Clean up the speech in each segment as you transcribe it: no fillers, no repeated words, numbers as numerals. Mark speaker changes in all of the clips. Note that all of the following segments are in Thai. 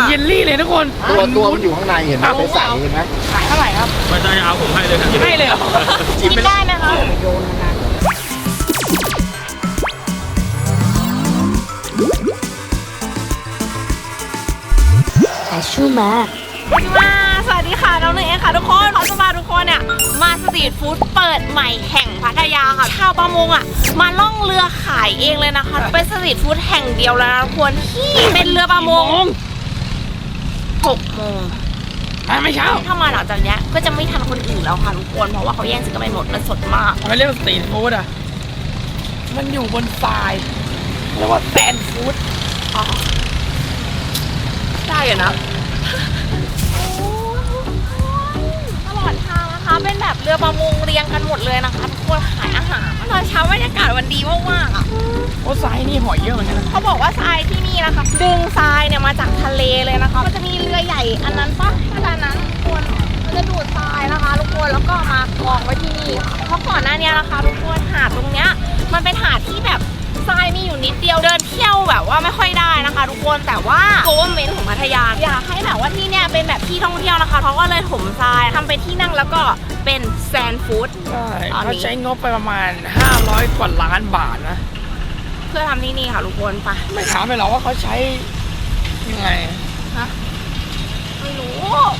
Speaker 1: เยลลี่เลยทุกคน
Speaker 2: ตัวมันอยู่ข้างในเห็นไหมใสๆเห็นไหม
Speaker 1: ขายเท่าไหร่ครับ
Speaker 3: ไม่ได้เอาผมให้เลยครับ
Speaker 1: ให้เลยเหรอ
Speaker 4: กินได้ไหมคะโยนนะชูมาสวัสดีค่ะน้องหนึ่งเองค่ะทุกคนเขาจะพาทุกคนเนี่ยมาสตรีทฟู้ดเปิดใหม่แห่งพัทยาค่ะชาวประมงอ่ะมาล่องเรือขายเองเลยนะคะเป็นสตรีทฟู้ดแห่งเดียวแล้วนะทุกคนที่เป็นเรือประมง6 โมง
Speaker 1: ไม่เช้า
Speaker 4: ถ้ามาหลังจากนี้ก็จะไม่ทันคนอื่นแล้วค่ะทุกคนเพราะว่าเขาแย่งซื้อกันไปหมดมันสดมาก
Speaker 1: มันเรียกว่าสตรีทฟู้ดอ่ะมันอยู่บนทรายเรียกว่าแซนฟู้ด
Speaker 4: ได้อยู่นะตลอดทางนะคะเป็นแบบเรือประมงเรียงกันหมดเลยนะคะทุกคนขายอาหารตอนเช้าบรรยากาศวันดีมากๆอ่ะ
Speaker 1: โอ้ทรายนี่หอยเยอะเหมือนกันนะ
Speaker 4: เขาบอกว่าทรายที่นี่นะคะดึงทรายเนี่ยมาจากทะเลเลยนะคะมันจะมีเรือใหญ่อันนั้นปะอันนั้นทุกคนมันจะดูดทรายนะคะทุกคนแล้วก็มากองไว้ที่นี่ค่ะเพราะก่อนหน้านี้นะคะทุกคนหาดตรงเนี้ยมันเป็นหาดที่แบบทรายมีอยู่นิดเดียวเดินเที่ยวแบบว่าไม่ค่อยได้นะคะทุกคนแต่ว่าgovernmentของพัทยาอยากให้แบบว่าที่เนี่ยเป็นแบบที่ท่องเที่ยวนะคะเขาก็เลยถมทรายทำเป็นที่นั่งแล้วก็เป็นแซนฟู้ด
Speaker 1: ใช่เขาใช้งบไปประมาณ500 กว่าล้านบาทนะ
Speaker 4: เพื่อทำที่นี่ค่ะทุกคนไป
Speaker 1: ไม่ถามไปหรอกว่าเขาใช้ยังไง
Speaker 4: ฮะไม่รู้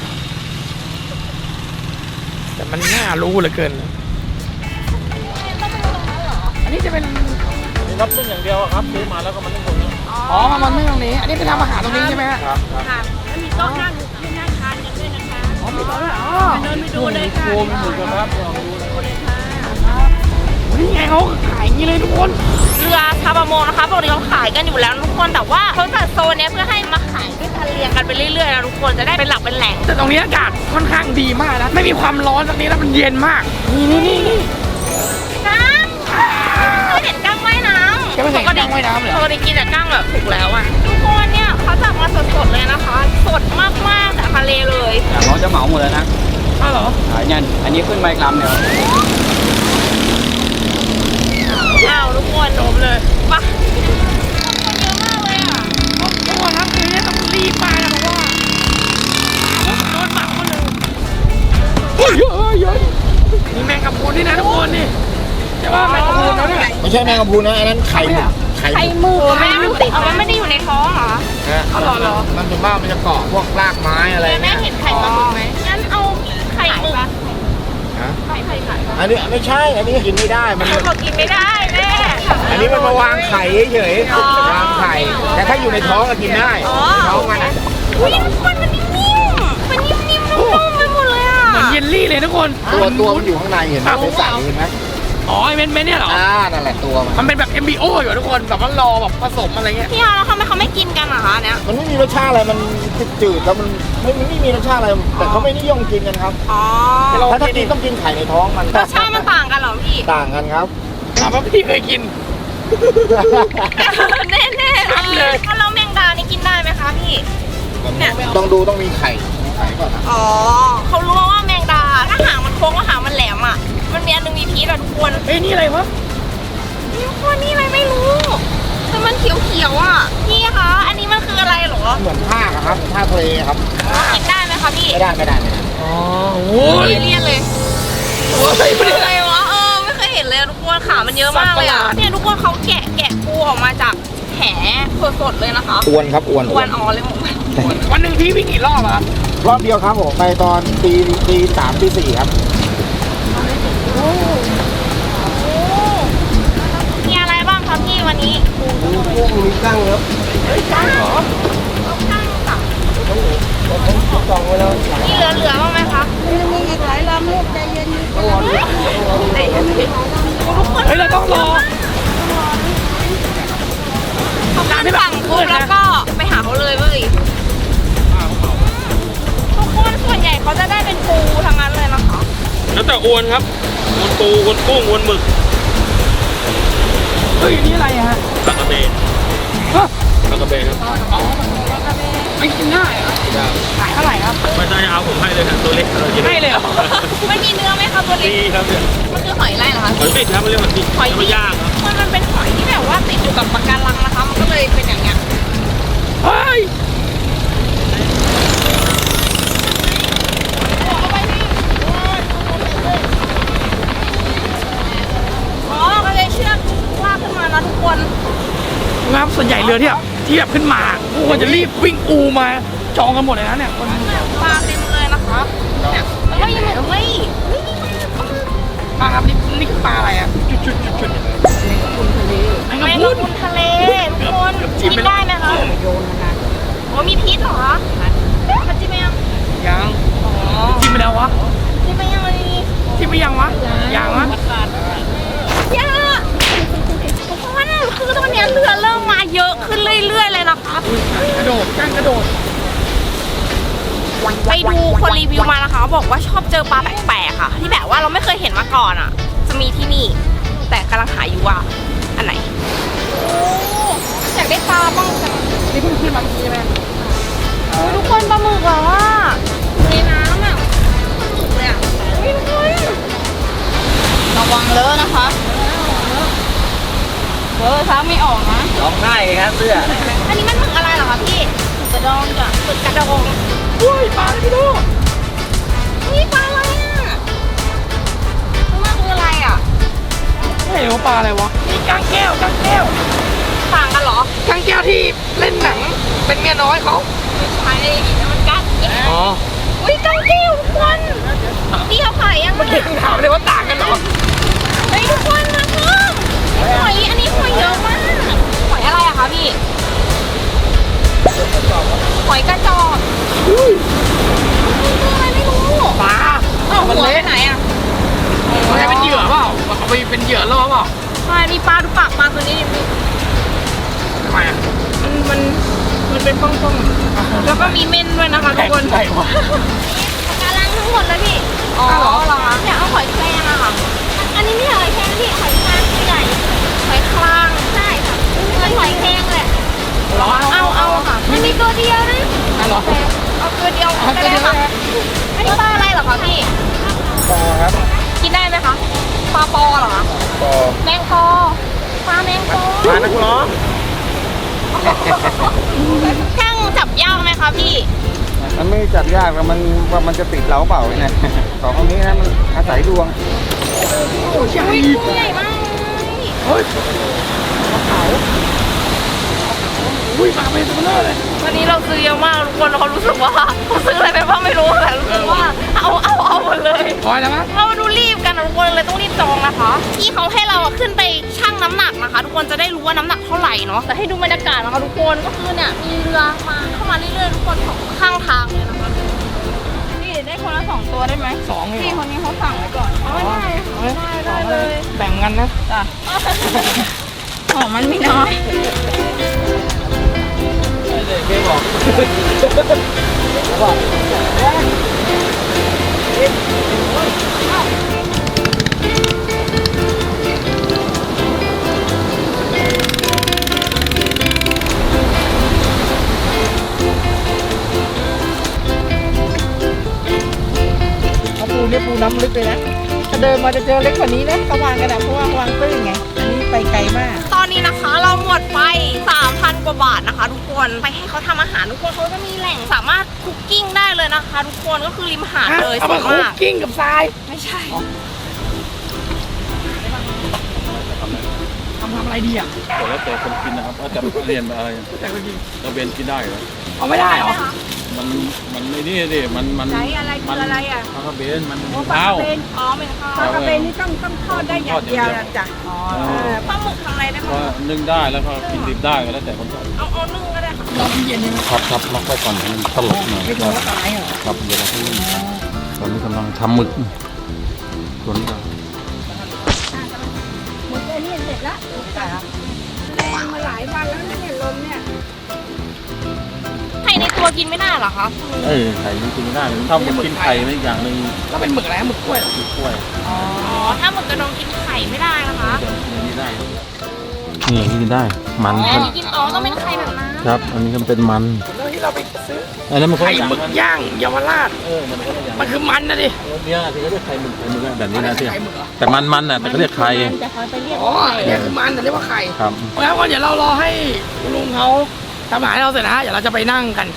Speaker 1: แต่มันน่ารู้เหลือเกินอันนี้จะเป็น
Speaker 3: รับนึ่งอย่างเดียวครับซื้อมาแล้วก็มันนึ่งตรงนี้
Speaker 1: มันนึ่งตรงนี้อันนี้ไปทำอาหารตรงนี้ใช่ไหม
Speaker 3: ครับ
Speaker 4: ค่ะแล้วมีโต๊ะนั่งให้นั่งทานกันด้วยนะคะ
Speaker 1: มีโต๊ะด้วย
Speaker 4: เดินไปดูเลยค่ะ
Speaker 3: ดูครับ
Speaker 4: ดูเลยค่ะ
Speaker 1: นี่ไงเขาขายอย่างนี้เลยทุกคน
Speaker 4: เรือชาวประมงนะคะปกติเขาขายกันอยู่แล้วทุกคนแต่ว่าเขาจัดโซนนี้เพื่อให้มาขายด้วยกันเรียงกันไปเรื่อยๆนะทุกคนจะได้เป็นหลักเป็นแหล่ง
Speaker 1: แต่ตรงนี้อากาศค่อนข้างดีมากนะไม่มีความร้อนตรงนี้แล้วมันเย็นมากนี่
Speaker 4: กั้งเห็นกั้งว่ายน้ำ
Speaker 1: จะไม่เห็นกั้งว่ายน้ำเลย
Speaker 4: ปกติกินแต่กั้งแบบถูกแล้วอ่ะทุกคนเนี่ยเขาจับมาสดๆเลยนะคะสดมากๆจากทะเลเลย
Speaker 3: เขาจะเหมาหมดเลยนะ
Speaker 1: เหรอ
Speaker 3: เนี่ยอันนี้ขึ้นใบกรัมเนี่ย
Speaker 4: ทุกคน
Speaker 1: จบเลย
Speaker 4: ปะคนเยอะมากเลยอ่ะ
Speaker 1: ทุกคนครับคือเนี่ยต้องรีบมานะเพราะว่าโดนหมักมาเลยเยอะนี่แมงกะพรุนนี่นะทุกคนนี่ใช่ป่ะแมงกะพรุนนะเนี่ย
Speaker 2: ไม่ใช่แมงกะพรุนนะอันนั้นไข่
Speaker 4: มือแม่มันติดมันไม่ได้อยู่ในท้องเหรอ
Speaker 2: เหรอมันส่วนมากมันจะเกาะพวกรากไม้อะไร
Speaker 4: แม่เห็นไข่ปลาหมึกไหมงั้นเอาไข่หมึกไข่
Speaker 2: อันนี้ไม่ใช่อันนี้กินไม่ได้มัน
Speaker 4: บอกกินไม่ได้แม่
Speaker 2: อันนี้มันมาวางไข่เฉยๆวางไข่แต่ถ้าอยู่ในท้องก็กินได้ท้องมัน
Speaker 4: อุ้ยทุกคนมันนิ่มๆมันนิ่มๆนุ่มๆไปหมดเลยอ่ะ
Speaker 1: เหมือนเยลลี่เลยทุกคน
Speaker 2: ตัวมันอยู่ข้างในเห็นไหมใสๆเห็นไหม
Speaker 1: ไอ้เม็ดเนี่ยเหรอ
Speaker 2: นั่นแหละตัว
Speaker 1: มันเป็นแบบ MBO อยู่ทุกคนแบบว่ารอแบบผสมอะไรเงี้ย
Speaker 4: พี่แล้วทำไมเขาไม่กินกันอะคะเนี่ย
Speaker 2: มันไม่มีรสชาติอะไรมันจืดแล้วมันไม่มีรสชาติอะไรแต่เขาไม่นิยมกินกันครับถ้ากินต้องกินไข่ในท้องมัน
Speaker 4: รสชาติมันต่างกันเหรอพี่
Speaker 2: ต่างกันครับ
Speaker 1: ถามว่าพี่เคยกิน
Speaker 4: แน่เลยถ้าเราแมงดานี่กินได้ไหมคะพี่
Speaker 2: เนี่ยต้องมีไข่ก่อนนะ
Speaker 4: เขารู้ว่าแมงดาถ้าหางมันโค้งว่าหางมันแหลมอ่ะมันมีอันนึงมีพิษอะทุกคน
Speaker 1: นี่อะไรวะ
Speaker 4: ทุกคนนี่อะไรไม่รู้แต่มันเขียวอ่ะพี่คะอันนี้มันคืออะไรหรอ
Speaker 2: เหมือนผ้าครับผ้าทะเลครับ
Speaker 4: กินได้ไหมคะพี่
Speaker 2: ไม่ได้
Speaker 1: โอ้
Speaker 4: ยเลี่ยนเลยโอ้ยเป็นอะไรวะไม่เคยเห็นเลยทุกคนขามันเยอะมากเลยอ่ะเนี่ยทุกคนเขาแกะปูออกมาจากแหสดๆเลยนะคะ
Speaker 2: อ้วนครับอ้วน
Speaker 4: เลยผม
Speaker 1: วันหนึ่งพี่วิ่งกี่รอบอะ
Speaker 2: รอบเดียวครับผมไปตอนตี 3 ตี 4ครับ
Speaker 4: มีอะไรบ้างครับพี่วันนี้
Speaker 2: มีกั้งครับ
Speaker 4: กั้งเหรอกั้งค่ะ
Speaker 2: จองไว้แล้ว
Speaker 4: นี่เหลือบ้างไหมคะ
Speaker 5: มีอีกหลายลำลูกใจเย็น
Speaker 1: เราต้องรอ
Speaker 4: เขาขึ้นฝั่งปุ๊บแล้วก็ไปหาเขาเลยเว้ยทุกคนส่วนใหญ่เขาจะได้เป็นปูทั้งนั้นเลยนะคะ
Speaker 3: แล้วแต่อวนครับอวนปูอวนกุ้งอวนหมึก
Speaker 1: เฮ้ยนี่อะไรฮะ
Speaker 3: ปลากระเบนปลากระเบนครับ
Speaker 1: ไม่กินง่ายขายเท่าไหร่ครับ
Speaker 3: ไม่ได้เอาผมให้เลยครับตัวเล็ก
Speaker 1: ให้เลยเหรอ
Speaker 4: มันมีเนื้อไหมครับตัวเล็ก
Speaker 3: ครับเนี่ย
Speaker 4: มันคือหอยอะไรเหรอคะ
Speaker 3: หอยติดครับเรียกว่าติดหอยย่างครับ
Speaker 4: มันเป็นหอยที่แบบว่าติดอยู่กับปะการังนะคะมันก็เลยเป็นอย่างเงี้ย
Speaker 1: เฮ้ยรือที่แบบขึ้นมาทุกคนจะรีบวิ่งอูมาจองกันหมดเลยนะเนี่ยคน
Speaker 4: ปลาเต็มเลยนะคะเนี่ยแล้วก็ยังแบบเฮ้ย
Speaker 1: ปลาครับนี่คือปลาอะไรอ่ะจุดแมง
Speaker 4: แม
Speaker 1: กะ
Speaker 4: ง
Speaker 1: พรุ
Speaker 4: กะ
Speaker 1: น
Speaker 4: พรุนทะเลทุกคนกินได้ไหมคะโอ้มีพิษเหรอคะมันจิ้มไหมยัง
Speaker 1: ยังกินไปแล้ววะ
Speaker 4: จิ้มไหมยังเลย
Speaker 1: กินไปยังวะยังวะ
Speaker 4: ยาทุกคนคือตอนนี้เรือเริ่มมาเยอะขึ้นเรื่อยๆเลยนะคะ
Speaker 1: กระโดดจ้างกระโดด
Speaker 4: ไปดูคนรีวิวมานะคะบอกว่าชอบเจอปลาแปลกๆค่ะ ที่แบบว่าเราไม่เคยเห็นมาก่อนอ่ะ จะมีที่นี่ แต่กำลังหาอยู่ว่าอันไหนอยากได้ปลาบ้างจัง
Speaker 1: นี่เพิ่งขึ้นมาเมื่อกี้ใช่ไหม
Speaker 4: โอ้ยทุกคนปลาหมึกแบบว่าในน้ำอ่ะปลาหมึกเลยอ่ะโอ้ยทุกคนระวังเลอะนะคะเท้าไม่ออกนะ
Speaker 3: ร้องไห้ครับเสื้อ
Speaker 4: อันนี้มันหมึกอะไรเหรอคะพี่หมึกกระดองจ้ะหมึกกระดอง
Speaker 1: อุ้ยปลาอะไรไม่รู้
Speaker 4: นี่ปลาอะไรอ่ะมันคืออะไรอ่ะ
Speaker 1: ไม่รู้ปลาอะไรวะนี่กางแก้ว
Speaker 4: ต่างกันเหรอก
Speaker 1: างแก้วที่เล่นหนังเป็นเมียน้อยเขา
Speaker 4: ใช่แล้วมันกัด
Speaker 1: อ๋อ
Speaker 4: อุ้ยกังกิ้วทุกคนพี่เขาขายยัง
Speaker 1: เมื่อกี้ถามเลยว่าต่างกันเหรอ
Speaker 4: เฮ้ยทุกคนนะเพิ่มหอยอันนี้หอยเยอะมากหอยอะไรอะคะพี่หอยกระจอกคืออะไรไม่รู้
Speaker 1: ปลา
Speaker 4: เอ้าหัวไปไหนอะ
Speaker 1: เขาใช้เป็นเหยื่อเปล่าเอาไปเป็นเหยื่อล่อเปล่า
Speaker 4: ใช่มีปลาดูปากปลาตัวนี้ดิ
Speaker 1: ทำไมอ่ะ
Speaker 4: มันเป็นป้องๆแล้วก็มีเม่นด้วยนะคะทุกคน
Speaker 1: ใช่วะ
Speaker 4: การล้างทั้งหมดเลยพี่อ๋อเหรอคะเนี่ยเอาหอยแครงอะค่ะอันนี้ไม่ใช่หอยแครงพี่หอยคลางตัวใหญ่หอยคลางใช่ค่ะเป็นหอยแครงแหละ
Speaker 1: เหรอ
Speaker 4: เอาค่ะมันมีตัวเดียวนะ
Speaker 1: เหรอ
Speaker 4: เอาตัวเดียวก็ได้ค่ะอันนี้ปลาอะไรเหรอคะพี่
Speaker 2: ปอครับ
Speaker 4: กินได้ไหมคะปลาปอเหรอคะ
Speaker 2: ปอ
Speaker 4: แมงปอปลาแมงปอ
Speaker 2: ปลานักร้อง
Speaker 4: ช่างจับยากไหมคะพี่
Speaker 2: มันไม่จับยากแล้วมันว่ามันจะติดเราเปล่าเนี่ยสองคนนี้นะมันอาศัยดวง
Speaker 1: โอ้ยใหญ่
Speaker 4: ตัวใหญ่มากเลย
Speaker 1: เฮ้ยอุ้ยปลาเป็นตัวเบลอเลย
Speaker 4: วันนี้เราซื้อเยอะมากทุกคนเรารู้สึกว่าเราซื้ออะไรไปบ้างไม่รู้แต่รู้สึกว่าเอาหมดเลย
Speaker 1: พอยแล้วมั้ง
Speaker 4: เราดูรีบกันนะทุกคนเลยต้องรีบจองนะคะที่เขาให้เราขึ้นไปชั่งน้ำหนักนะคะ ทุกคนจะได้รู้ว่าน้ำหนักเท่าไหร่เนาะแต่ให้ดูบรรยากาศนะคะทุกคนก็คือเนี่ยมีเรือมาเข้ามาเรื่อยๆทุกคนของข้างทางเลยนะคะพี่ได้คนละ2ตัวได้ไหม
Speaker 1: สองเลย
Speaker 4: พี่คนนี้เขาสั่งไว้ก่อนได้เลย
Speaker 1: แบ่งกันนะ
Speaker 4: จ้ะของมันไม่น้อย
Speaker 3: ไม่บอก
Speaker 5: เอาปูเนี่ยปูน้ำลึกเลยนะ ถ้าเดินมาจะเจอเล็กกว่านี้นะเขาวางกันนะเพราะว่าวางตื้นไง อันนี้ไปไกลมาก
Speaker 4: ตอนนี้นะคะเราหมดไป 3,000 กว่าบาทนะคะ ทุกคนไปให้เขาทำอาหารทุกคนเขาจะมีแหล่งสามารถคุกกิ้งได้เลยนะคะ ทุกคนก็คือริมหาดเลย
Speaker 1: เอา
Speaker 4: ส
Speaker 1: มา
Speaker 4: วย
Speaker 1: คุก
Speaker 4: มาก
Speaker 1: กิ้งกับทราย
Speaker 4: ไม่ใช่
Speaker 1: ทำอะไรดีอ่ะ
Speaker 3: แต่แล้วแต่คนกินนะครับว่าจะเรียนอะไร
Speaker 1: แต่ก็กิน
Speaker 3: กระเบนกินได้เหรอ
Speaker 1: เอาไม่ได้เหรอ
Speaker 3: มันไอ้นี่ดิมัน
Speaker 5: ไหนอะไรคืออะไรอ่ะ
Speaker 3: ปลากระเบนมัน
Speaker 5: ปลา
Speaker 3: ข้าว
Speaker 5: กระเบน
Speaker 4: อ๋อไม่ค่ะ
Speaker 5: ปลากระเบนนี่ต้องทอดได้อย่างเดียวนะจ้ะ
Speaker 4: ปลาหมึกทำอะไรได้
Speaker 3: ก็
Speaker 4: บ้าง
Speaker 3: นึ่งได้แล้วก็กินดิบได้ก็แล้วแต่คนชอบ
Speaker 4: เอานึ่งก็ได้ค่ะ
Speaker 1: รอเย็นใช่ไหม
Speaker 3: ครับล็อกไว้ก่อนให้มันสลบหน่อย
Speaker 5: ไม่ถึงว่าตายเหรอ
Speaker 3: ครับเดี๋ยวเราให้นึ่งตอนนี้กำลังทำหมึกส่วนนี้ก็
Speaker 5: หมดแค่นี้เสร็จแล้วแรงมาหลายวันแล้วนะเนี่ยลมเนี่ย
Speaker 4: ไข่ในตัวกินไม่ได้เหรอคะ
Speaker 3: ไข่มันกินไม่ได้ถ้ามันกินไข่ไม่อย่างหนึ่ง
Speaker 1: แล้วเป็นหมึกอะไรหมึกกล้วยเหรอ
Speaker 3: คือกล้วย
Speaker 4: อ๋อถ้าหมึกกระดองกินไข่ไม่ได้นะคะ
Speaker 3: เดี๋ยวกินนี่ได้นี่กินได้มัน
Speaker 4: อ๋ออันนี้กินอ๋อต้องเป็นไข่แบบนั้น
Speaker 3: ครับ อันนี้มันเป็นมัน
Speaker 1: แล้วที่เราไปซื้อ
Speaker 3: อันนั้นมันก็
Speaker 1: ไข่
Speaker 3: อย่าง
Speaker 1: หมึกย่างเยาวราช
Speaker 3: มันก็อย่าง
Speaker 1: มันคือมันนะดิ
Speaker 3: เนี่ยที่เขาเรียกไข่หมึกแบบนี้นะที่
Speaker 1: ไข่หมึกเหรอ
Speaker 3: แต่มันน่ะแต่เขาเรียกไข่
Speaker 5: จะคอยไปเรียก
Speaker 1: อ๋อเนี่ยคือมันแต่เรียกว่าไข่
Speaker 3: ครับ
Speaker 1: เพราะงั้นก็เดี๋ยวเรารอให้คุณลุงเขาทำอาหารให้เราเสร็จนะฮะเดี๋ยวเราจะไปนั่งกัน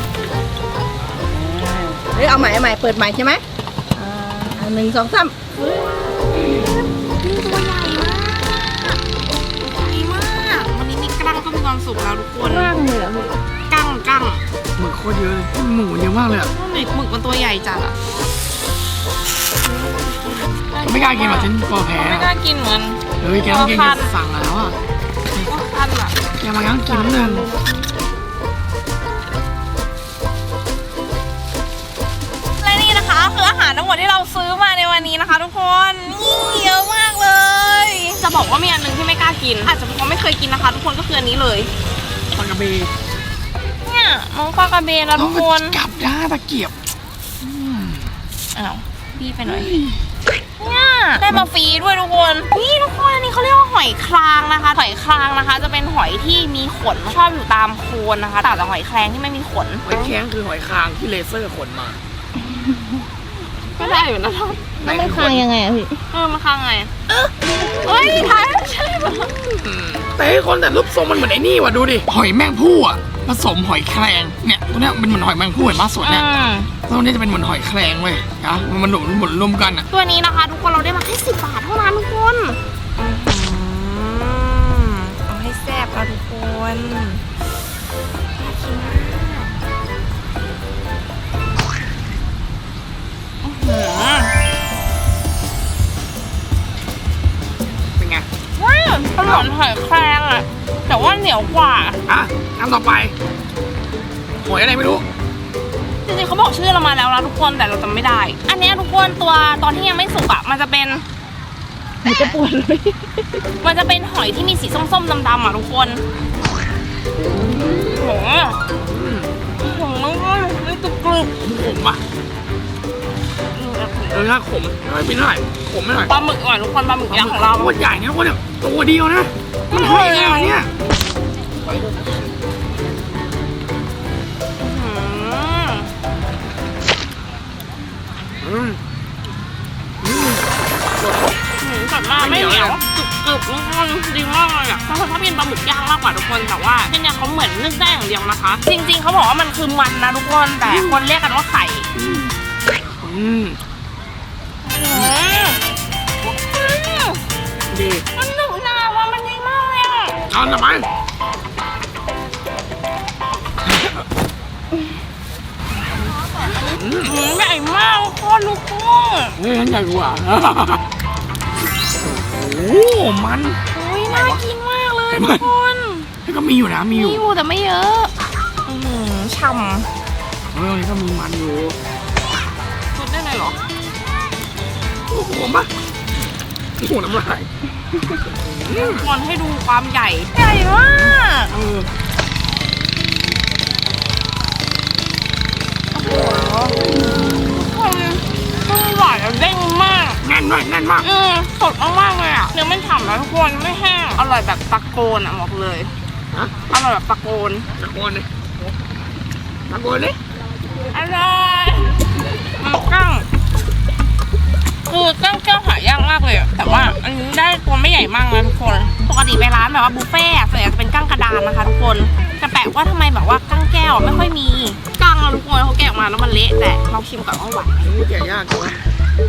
Speaker 5: เฮ้ยเอาใหม่เปิดใหม่ใช่ไหม1 2 3
Speaker 4: ตัวใหญ่มากใหญ่มากวันนี้มีกรกั้งก็มีความสุขแล้วทุกคน
Speaker 5: ร่างเลยเหรอพี่
Speaker 4: กั้ง
Speaker 1: หมึกโคตรเยอะเลยหมูเยอะมากเลยอ่ะ
Speaker 4: หมึกมันตัวใหญ่จัดอ่ะ
Speaker 1: ไม่กล้ากินหรอกฉันกลัวแพ้
Speaker 4: ไม่กล้ากินเหมือน
Speaker 1: เฮ้ยแกต้องกินสั่งแล้วอ่ะ
Speaker 4: ว่าคันอ่ะ
Speaker 1: แกมางั้นกินนิดนึง
Speaker 4: และนี่นะคะคืออาหารทั้งหมดที่เราซื้อมาในวันนี้นะคะ ทุกคนนี่เยอะมากเลย จะบอกว่ามีอันหนึงที่ไม่กล้ากินอาจจะเพราะไม่เคยกินนะคะ ทุกคนก็คืออันนี้เลย
Speaker 1: ปลากระเบน
Speaker 4: เนี่ยน้องปลากระเบนนะทุกคน
Speaker 1: กลับด้าตะเกียบ
Speaker 4: อ้าวพี่ไปหน่อยเนี่ยได้มาฟรีด้วยทุกคนนี่ทุกคนอันนี้เขาเรียกว่าหอยครางนะคะหอยครางนะคะ จะเป็นหอยที่มีขนชอบอยู่ตามโคนนะคะต่างจากหอยแครงที่ไม่มีขน
Speaker 1: หอยแข็งคือหอยคางที่เลเซอร์ขนมา
Speaker 4: ก็ได้อยู่นะครับ
Speaker 5: แล้วมันคลายยังไงอะพี่
Speaker 4: มันครางไงเฮ้ยท้ายใช่ปะ
Speaker 1: แต่ให้คนแต่รูปทรงมันเหมือนไอ้นี่ว่ะดูดิหอยแมงผู้อ่ะผสมหอยแครงเนี่ยตัวเนี้ยเป็นเหมือนหอยแมงผู้เห็นปะส่วนเนี่ยตัวนี้จะเป็นเหมือนหอยแครงเว้ยนะมันหมุนรวมกันอ่ะ
Speaker 4: ตัวนี้นะคะ ทุกคนเราได้มาแค่10 บาทเท่านั้นทุกคนเอาให้แซ่บค่ะทุกคน
Speaker 1: เป็นไง
Speaker 4: ว้าวมันเหมือนหอยแครงอะแต่ว่าเหนียวกว่า
Speaker 1: อ่ะคำต่อไปหอยอะไรไม่รู้
Speaker 4: จริงๆเขาบอกชื่อเรามาแล้วนะทุกคนแต่เราจำไม่ได้ อันเนี้ยทุกคนตัวตอนที่ยังไม่สุกอะมันจะเป็น
Speaker 5: มันจะปวดเลย
Speaker 4: มันจะเป็นหอยที่มีสีส้มๆดำๆอะทุกคนโหมันก็กรุบ
Speaker 1: ขมป่ะถ้าขมไม่เป็นเท่าไหร่ขมไม่เท่าไหร่
Speaker 4: ปลาหมึกก่อนทุกคนปลาหมึกยักษ์ของเรา
Speaker 1: ตัวใหญ่เนี่ยคนเนี่ยตัวเดียวนะมันให้ขนาดเนี้ย
Speaker 4: สัตว์มาไม่เหนียวกรึบทุกคนดีมากเลยอ่ะเขาชอบกินปลาหมึกย่างมากกว่าทุกคนแต่ว่าที่เนี่ยเขาเหมือนนึ่งได้อย่างเดียวนะคะ จริงๆเขาบอกว่ามันคือมันนะทุกคนแต่คนเรียกกันว่าไข่
Speaker 1: ดี
Speaker 4: มันหนุกนาว่ามันดีมากเลยอ่ะ
Speaker 1: เอาหน่อยไหม
Speaker 4: ใหญ่มากทุกคน
Speaker 1: เฮ้ยฉันใหญ่กว่าโอ้โหมัน
Speaker 4: อุ้ยน่ากินมากเลยทุกคน
Speaker 1: แล้วก็มีอยู่นะมีอยู่
Speaker 4: แต่ไม่เยอะฉ่
Speaker 1: เฮ้ยตรงนี้ก็มีมันอยู่
Speaker 4: ำสุดได้เลยเหรอ
Speaker 1: โอ้โหมะโอ้โหน้ำลาย
Speaker 4: ควรให้ดูความใหญ่ใหญ่มาก คนมันหวานแล้วเด้งมาก
Speaker 1: แน่นมากแน่นมาก
Speaker 4: สดมากๆเลยอ่ะเนื้อมันฉ่ำแล้วทุกคนไม่แห้งอร่อยแบบตะโกนอ่ะบอกเลย
Speaker 1: ฮะ
Speaker 4: อร่อยแบบตะโกน
Speaker 1: ตะโกนเลยตะโกนเลย
Speaker 4: อร่อยมันกั้งคือกั้งแก้วหายากมากเลยอะแต่ว่าอันนี้ได้ตัวไม่ใหญ่มากนะทุกคนปกติไปร้านแบบว่าบุฟเฟ่ต์ส่วนใหญ่จะเป็นกั้งกระดานนะคะทุกคนแต่แปลกว่าทำไมแบบว่ากั้งแก้วไม่ค่อยมีกั้งอะทุกคนเขาแกะออกมาแล้วมันเละแต่เราชิมก่อนว่าหวาน
Speaker 1: นี่แกะยากจังวะ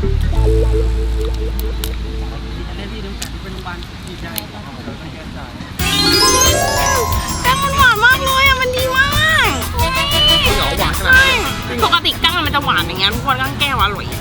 Speaker 4: กั้งมันหวานมากเลยอะมันดีมาก
Speaker 1: เหนียวหวานขนาด
Speaker 4: ใช่
Speaker 1: นี้
Speaker 4: ปกติกั้งมันจะหวานอย่างเงี้ยทุกคนกั้งแก้วอร่อย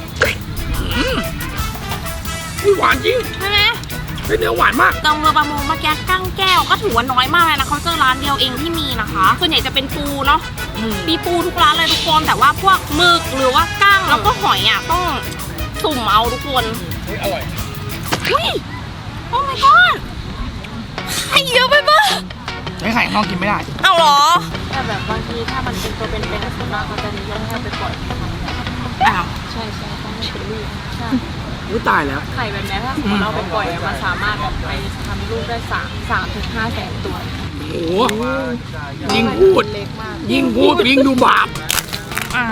Speaker 1: นี่หวานจริง
Speaker 4: ใช่ไหม
Speaker 1: เป็นเนื้อหวานมาก
Speaker 4: ตรงเรือประมงเมื่อกี้กั้งแก้วก็ถือว่าน้อยมากเลยนะเขาเจอร้านเดียวเองที่มีนะคะส่วนใหญ่จะเป็นปูเนาะมีปูทุกร้านเลยทุกคนแต่ว่าพวกหมึกหรือว่ากั้งแล้วก็หอยอ่ะต้องสุ่มเอาทุกคน
Speaker 1: อร่อย
Speaker 4: อุ้ยโอ้ my god ไข่เยอะไปปะ
Speaker 1: ไอ้ไข่ข้างนอกกินไม่ได้
Speaker 4: เอาเหรอ
Speaker 5: แต่แบบบางทีถ้ามันเป็นตัวเป็นๆส่วนมากเขาจะนิยมให้ไปปล่อย
Speaker 4: อ้าว
Speaker 5: ใช่ต้องให้เป็นลูกใช่
Speaker 1: อุ้ยตายแล้ว
Speaker 5: ไข่แบบนี้ถ้าสมมติเราไปปล่อยมันสามารถแบบไปทำลูกได้3 ถึง 5 แสนตัว
Speaker 1: โอ้โหยิ่งพูด
Speaker 5: เล็กมาก
Speaker 1: ยิ่งพูดยิ่งดูบาป
Speaker 4: อ่า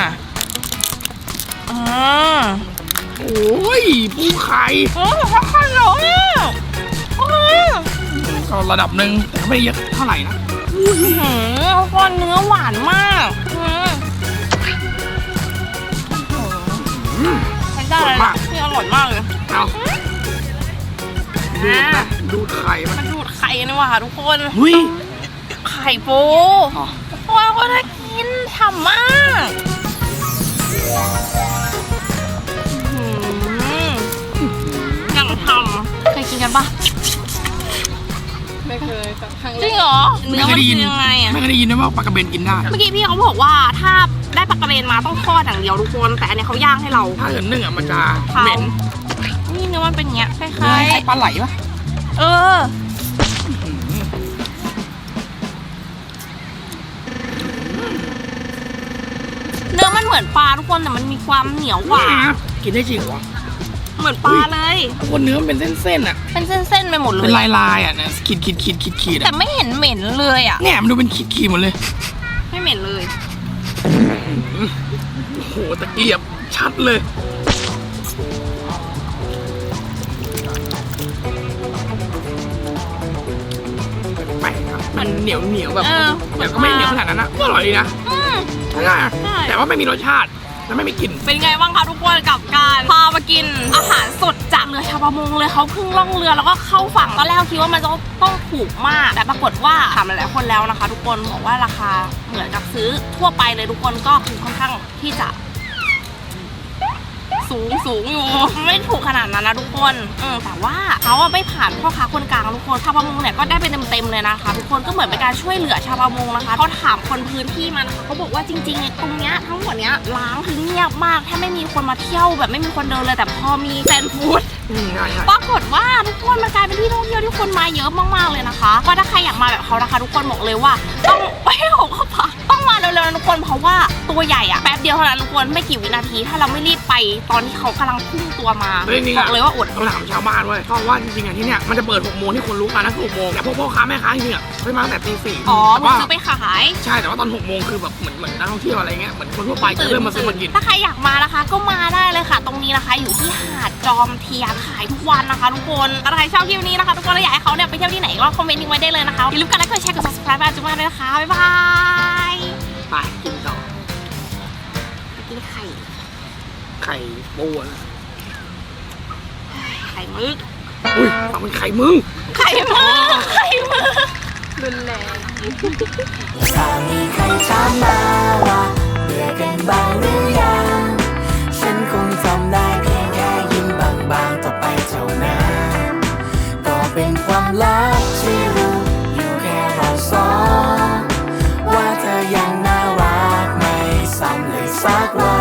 Speaker 4: อ่า
Speaker 1: โอ้ยปูไข่
Speaker 4: โอ้เขาขั้นเหรอเนี่ยโอ้ย
Speaker 1: ก็ระดับหนึ่งแต่ไม่เยอะเท่าไหร่นะ
Speaker 4: ทุกคนเนื้อหวานมากใช้ได้เลยนะที่อร่อยมากเลย
Speaker 1: เอาดูดนะดูดไข่มัน
Speaker 4: มันดูดไข่นี่หว่าทุกคน
Speaker 1: หุ้ย
Speaker 4: ไข่ปูว้าวก็น่ากินฉ่ำมากยังทำเคยกินกันปะ
Speaker 5: ไม่เคยสักครั้ง
Speaker 4: จริงเหรอเนื้อมันเป็นยังไงอะ
Speaker 1: ไม่เคยได้ยินนะว่าปลากระเบนกินได้
Speaker 4: เมื่อกี้พี่เขาบอกว่าถ้าได้ปลากระเบนมาต้องทอดอย่างเดียวทุกคนแต่อันนี้เขาย่างให้เรา
Speaker 1: ถ้าเกิดนึ่งอ่ะมันจะเหม็น
Speaker 4: นี่เนื้อมันเป็นอย่างเงี้ยคล้
Speaker 1: คล้า
Speaker 4: าย
Speaker 1: ยปลาไหลปะ
Speaker 4: ๆเออเนื้อมันเหมือนปลาทุกคนแต่มันมีความเหนียวกว่า
Speaker 1: กินได้จริงวะ
Speaker 4: เหมือนปลาเลย
Speaker 1: คนเนื้อมันเป็นเส้นๆอ่ะ
Speaker 4: เป็นเส้นๆไปหมดเล
Speaker 1: เป็น
Speaker 4: ย
Speaker 1: ลายๆอ่ะนะขีด
Speaker 4: แต่ไม่เห็นเหม็นเลยอ่ะ
Speaker 1: เนี่ยมันดูเป็นขีดหมดเลย
Speaker 4: ไม่เหม็นเลย
Speaker 1: โอ้โหตะเกียบชัดเลยแปลกครับมันเหนียวแบบแต่ก็ไม่เหนียวขนาดนั้นนะก็อร่อยดีนะ
Speaker 4: อืม
Speaker 1: ใช่แต่ว่าไม่มีรสชาติและไม่มีกลิ่น
Speaker 4: เป็นไงบ้างคะทุกคนกับการพามากินอาหารสดจากเรือชาวประมงเลยเขาเพิ่งล่องเรือแล้วก็เข้าฝั่งตอนแรกคิดว่ามันจะต้องถูกมากแต่ปรากฏว่าถามหลายๆคนแล้วนะคะ ทุกคนบอกว่าราคาเหมือนกับซื้อทั่วไปเลยทุกคนก็คือค่อนข้างที่จะสูงอยู่ไม่ถูกขนาดนั้นนะทุกคนแต่ว่าเขาไม่ผ่านพ่อค้าคนกลางทุกคนชาวประมงเนี่ยก็ได้ไปเต็มๆเลยนะคะทุกคนก็เหมือนเป็นการช่วยเหลือชาวประมงนะคะเขาถามคนพื้นที่มานะคะเขาบอกว่าจริงๆตรงเนี้ยทั้งหมดเนี้ยล้างคือเงียบมากถ้าไม่มีคนมาเที่ยวแบบไม่มีคนเดินเลยแต่พอมีแซนฟู้ด
Speaker 1: ง่าย
Speaker 4: ปรากฏว่าทุกคนมันกลายเป็นที่ท่องเที่ยวที่คนมาเยอะมากๆเลยนะคะก็ถ้าใครอยากมาแบบเขานะคะทุกคนบอกเลยว่าต้องไปหกเข้าพักต้องมาเร็วๆนะทุกคนเพราะว่าตัวใหญ่อะแป๊บเดียวเท่านั้นทุกคนไม่กี่วินาทีถ้าเราไม่รีบไปตอนที่เขากำลังพุ่งตัวมา
Speaker 1: เฮ้ยนี่
Speaker 4: บอกเลยว่าอด
Speaker 1: ต้องถามชาวบ้านเว้ยเพราะว่าจริงๆอ่ะที่เนี่ยมันจะเปิด6 โมงที่คนรู้กันนะคือ6 โมงแต่พวกพ่อค้าแม่ค้าจริงๆอ่ะไม่มาตั้งแต่ตี 4
Speaker 4: อ๋อ
Speaker 1: แต่
Speaker 4: มึง
Speaker 1: ว่า
Speaker 4: ซื้อไปขาย
Speaker 1: ใช่แต่ว่าตอน6 โมงคือแบบเหมือนนักท่องเที่ยวอะไรเงี้ยเหมือนคนทั่วไปจะเริ่มมาซื้อมากิน
Speaker 4: ถ้าใครอยากมานะคะ ก็มาได้เลยค่ะ ตรงนี้นะคะอยู่ที่หาดจอมเทียนขายทุกวันนะคะ ทุกคนถ้าใครชอบคลิปนี้นะคะทุกคนแล้วอยากให้เขาเนี่ยไปเที่ยวที่ไหนก็คอมเมนต์ทิ้งไว้ได้เลยนะคะอย่าลืมกดไลค์กดแชร์กด subscribe ไปจุ๊บมาด้วยนะคะบ๊ายบาย
Speaker 1: ไปกินต่อ
Speaker 4: กินไข่
Speaker 1: ไข่ปูอะ
Speaker 4: ไข่มึก
Speaker 1: อุ้ยฟังเป็นไข่มึง
Speaker 4: ไข่มึกไข่มึก
Speaker 5: รุนแรง
Speaker 6: ถ้ามีใครถามมาว่าเบื่อกันบ้างหรือยังฉันคงทำได้เพียงแค่ยิ้มบางๆต่อไปเท่านั้นก็เป็นความลับที่รู้อยู่แค่เราสองว่าเธอยังน่ารักไม่ซ้ำเลยสักวัน